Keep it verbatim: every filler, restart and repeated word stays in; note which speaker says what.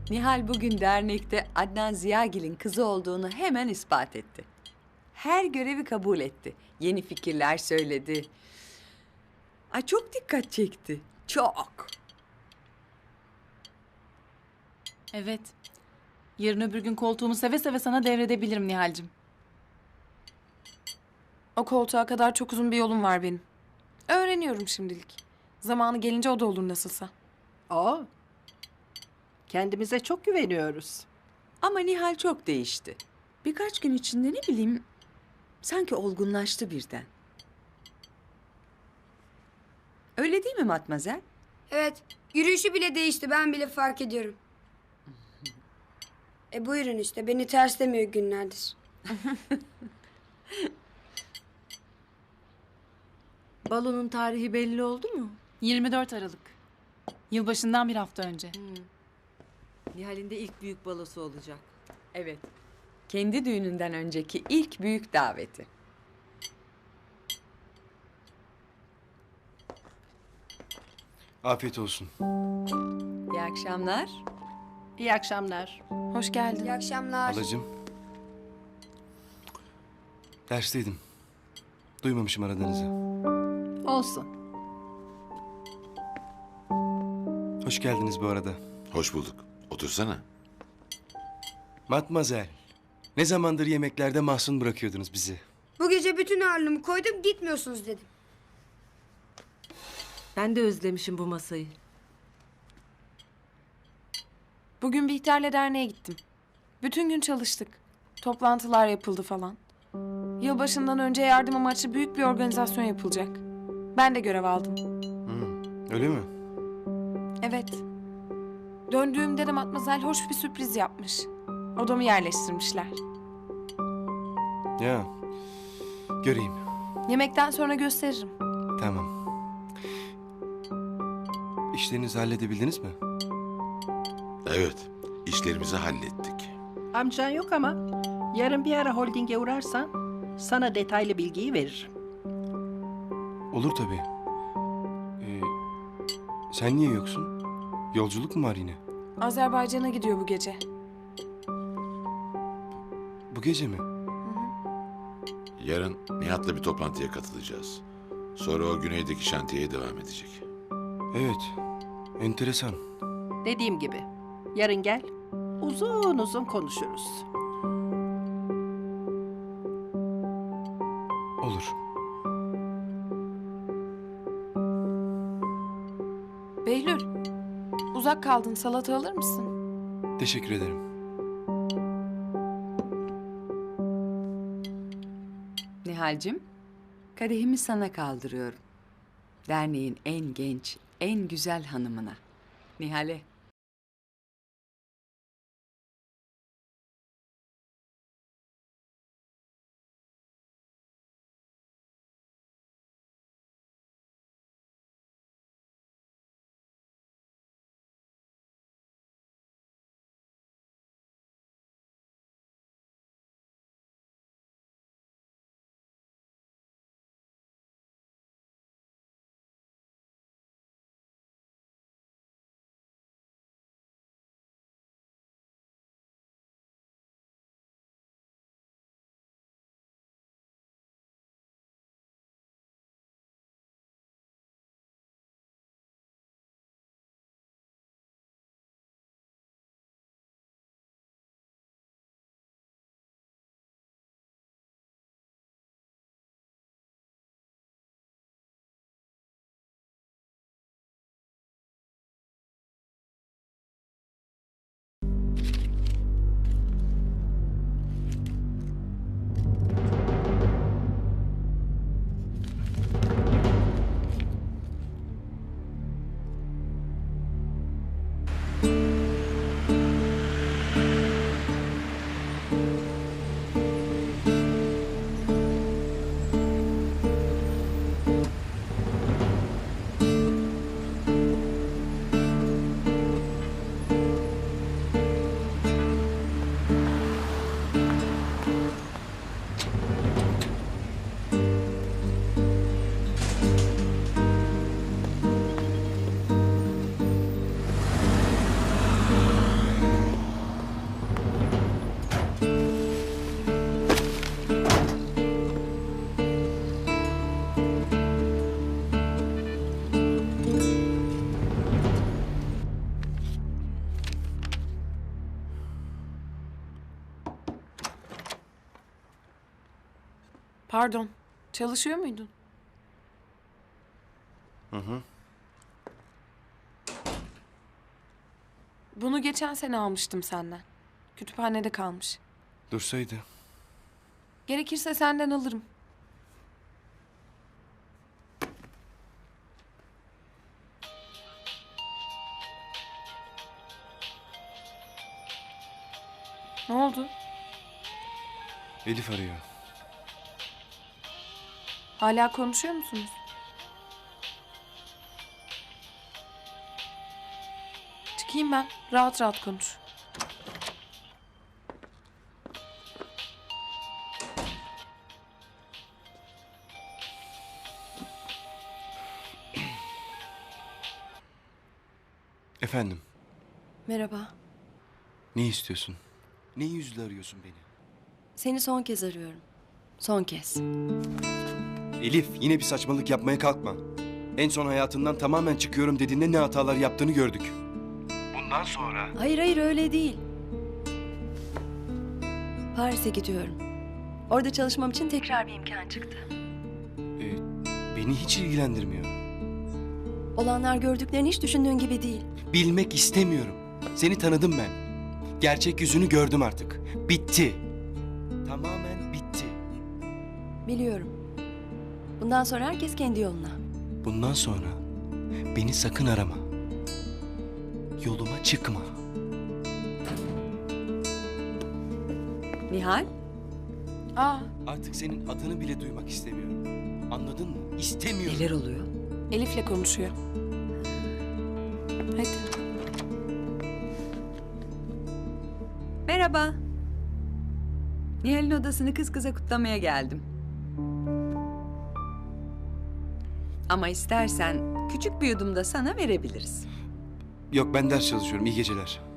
Speaker 1: Nihal bugün dernekte Adnan Ziyagil'in kızı olduğunu hemen ispat etti. Her görevi kabul etti. Yeni fikirler söyledi. Ay çok dikkat çekti. Çok.
Speaker 2: Evet. Yarın öbür gün koltuğumu seve seve sana devredebilirim Nihal'cim.
Speaker 3: O koltuğa kadar çok uzun bir yolum var benim. Öğreniyorum şimdilik. Zamanı gelince o da olur nasılsa.
Speaker 4: O. Kendimize çok güveniyoruz.
Speaker 1: Ama Nihal çok değişti. Birkaç gün içinde ne bileyim sanki olgunlaştı birden. Öyle değil mi Matmazel?
Speaker 5: Evet, yürüyüşü bile değişti. Ben bile fark ediyorum. E buyurun işte, beni terslemiyor günlerdir.
Speaker 6: Balonun tarihi belli oldu mu?
Speaker 2: yirmi dört Aralık. Yılbaşından bir hafta önce.
Speaker 6: Nihal'in de ilk büyük balosu olacak.
Speaker 1: Evet. Kendi düğününden önceki ilk büyük daveti.
Speaker 7: Afiyet olsun.
Speaker 1: İyi akşamlar.
Speaker 4: İyi akşamlar.
Speaker 3: Hoş geldin.
Speaker 5: İyi akşamlar.
Speaker 7: Halacığım. Dersteydim. Duymamışım aradığınızı.
Speaker 4: Olsun.
Speaker 7: Hoş geldiniz bu arada.
Speaker 8: Hoş bulduk. Otursana.
Speaker 7: Matmazel. Ne zamandır yemeklerde mahzun bırakıyordunuz bizi.
Speaker 5: Bu gece bütün ağırlığımı koydum, gitmiyorsunuz dedim.
Speaker 6: Ben de özlemişim bu masayı.
Speaker 3: Bugün Bihter'le derneğe gittim. Bütün gün çalıştık. Toplantılar yapıldı falan. Yılbaşından önce yardım amaçlı büyük bir organizasyon yapılacak. Ben de görev aldım.
Speaker 7: Öyle mi?
Speaker 3: Evet. Döndüğümde de Matmazel hoş bir sürpriz yapmış. Odamı yerleştirmişler.
Speaker 7: Ya. Göreyim.
Speaker 3: Yemekten sonra gösteririm.
Speaker 7: Tamam. İşlerinizi halledebildiniz mi?
Speaker 8: Evet, işlerimizi hallettik.
Speaker 4: Amcan yok ama yarın bir ara holdinge uğrarsan sana detaylı bilgiyi veririm.
Speaker 7: Olur tabii. Ee, sen niye yoksun? Yolculuk mu var yine?
Speaker 3: Azerbaycan'a gidiyor bu gece.
Speaker 7: Bu gece mi?
Speaker 8: Yarın Nihat'la bir toplantıya katılacağız. Sonra o güneydeki şantiyeye devam edecek.
Speaker 7: Evet. Enteresan.
Speaker 4: Dediğim gibi yarın gel uzun uzun konuşuruz.
Speaker 7: Olur.
Speaker 3: Behlül, uzak kaldın. Salata alır mısın?
Speaker 7: Teşekkür ederim.
Speaker 1: Nihal'cim, kadehimi sana kaldırıyorum. Derneğin en genç, en güzel hanımına. Nihal'e.
Speaker 3: Pardon. Çalışıyor muydun?
Speaker 7: Hı hı.
Speaker 3: Bunu geçen sene almıştım senden. Kütüphanede kalmış.
Speaker 7: Dursaydı.
Speaker 3: Gerekirse senden alırım. Ne oldu?
Speaker 7: Elif arıyor.
Speaker 3: Hala konuşuyor musunuz? Çıkayım ben. Rahat rahat konuş.
Speaker 7: Efendim,
Speaker 9: Merhaba.
Speaker 7: ne istiyorsun? Ne yüzle arıyorsun beni?
Speaker 9: Seni son kez arıyorum. Son kez.
Speaker 7: Elif, yine bir saçmalık yapmaya kalkma. En son hayatından tamamen çıkıyorum dediğinde ne hatalar yaptığını gördük. Bundan sonra...
Speaker 9: Hayır hayır öyle değil. Paris'e gidiyorum. Orada çalışmam için tekrar bir imkan çıktı.
Speaker 7: e, beni hiç ilgilendirmiyor.
Speaker 9: Olanlar gördüklerini hiç düşündüğün gibi değil.
Speaker 7: Bilmek istemiyorum. Seni tanıdım ben. Gerçek yüzünü gördüm artık. Bitti. Tamamen bitti.
Speaker 9: Biliyorum. Bundan sonra herkes kendi yoluna.
Speaker 7: Bundan sonra beni sakın arama. Yoluma çıkma.
Speaker 1: Nihal,
Speaker 3: Aa,
Speaker 7: Artık senin adını bile duymak istemiyorum. Anladın mı? İstemiyorum.
Speaker 1: neler oluyor?
Speaker 3: Elif'le konuşuyor. Hadi.
Speaker 1: Merhaba. Nihal'in odasını kız kıza kutlamaya geldim. Ama istersen küçük bir yudum da sana verebiliriz.
Speaker 7: Yok, ben ders çalışıyorum. İyi geceler.